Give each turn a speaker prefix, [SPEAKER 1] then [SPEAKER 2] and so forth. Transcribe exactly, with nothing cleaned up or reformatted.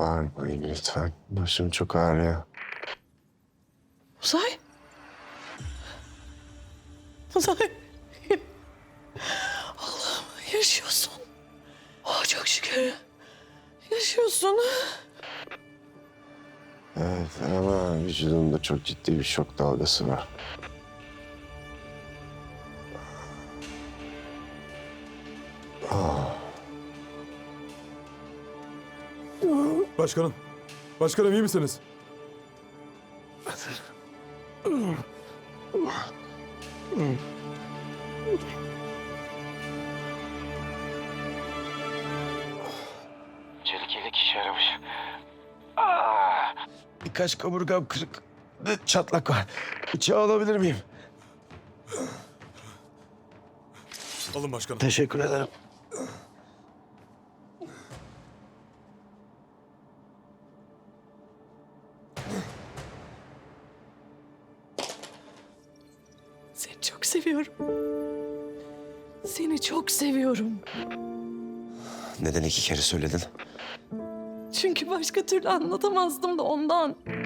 [SPEAKER 1] Bağırmayın lütfen. Başım çok ağrıyor.
[SPEAKER 2] Uzay. Uzay. Allah'ım yaşıyorsun. Oh, çok şükür. Yaşıyorsun.
[SPEAKER 1] Evet ama vücudumda çok ciddi bir şok dalgası var.
[SPEAKER 3] Başkanım. Başkanım iyi misiniz?
[SPEAKER 1] Çelik yelek işe yaramış. Birkaç kaburgam kırık. Ve çatlak var. Bıçağı alabilir miyim?
[SPEAKER 3] Alın başkanım.
[SPEAKER 1] Teşekkür ederim.
[SPEAKER 2] Seni çok seviyorum. Seni çok seviyorum.
[SPEAKER 1] Neden iki kere söyledin?
[SPEAKER 2] Çünkü başka türlü anlatamazdım da ondan.